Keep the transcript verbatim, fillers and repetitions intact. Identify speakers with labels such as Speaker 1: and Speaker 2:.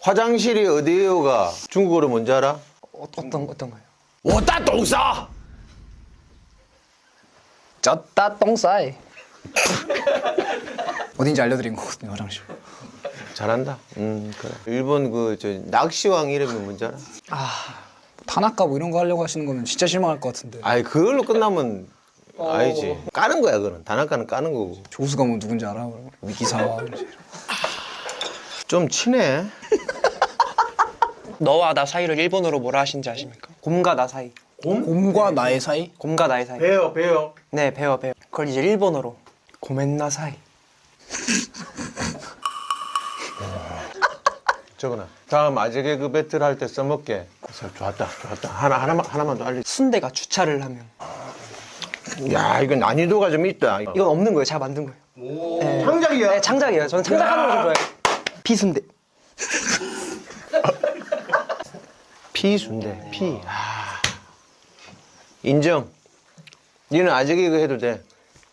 Speaker 1: 화장실이 어디에요가 중국어로 뭔지 알아?
Speaker 2: 어, 어떤 어떤 거요?
Speaker 1: 我大董沙
Speaker 2: 쩌따 똥싸이. 어딘지 알려드린 거거든요, 화장실.
Speaker 1: 잘한다. 음 그래. 일본 그 저 낚시왕 이름이 뭔지 알아?
Speaker 2: 타나카 뭐 이런 거 하려고 하시는 거면 진짜 실망할 것 같은데.
Speaker 1: 아이 그걸로 끝나면 알지. 까는 거야 그는. 다나카는 까는 거고.
Speaker 2: 조수가 뭐 누군지 알아? 위기사와.
Speaker 1: 좀 친해.
Speaker 3: 너와 나 사이를 일본어로 뭐라 하신지 아십니까? 곰과 나 사이.
Speaker 2: 곰과 나의 사이?
Speaker 3: 곰과 나의 사이.
Speaker 1: 배요 배요.
Speaker 3: 네, 배워 배워. 그걸 이제 일본어로 고멘나 사이.
Speaker 1: 저거나. 다음 아재 개그 배틀 할 때 써먹게. 그래서 좋았다 좋았다. 하나 하나만 하나만 더 알려.
Speaker 3: 순대가 주차를 하면
Speaker 1: 야 이건 난이도가 좀 있다.
Speaker 3: 이건 없는 거예요. 제가 만든 거예요. 네.
Speaker 1: 창작이야.
Speaker 3: 네, 창작이에요. 저는 창작하는 걸 좀 좋아해요. 비순대.
Speaker 1: 피순대 피. 아. 인정. 니는 아재 개그 해도 돼.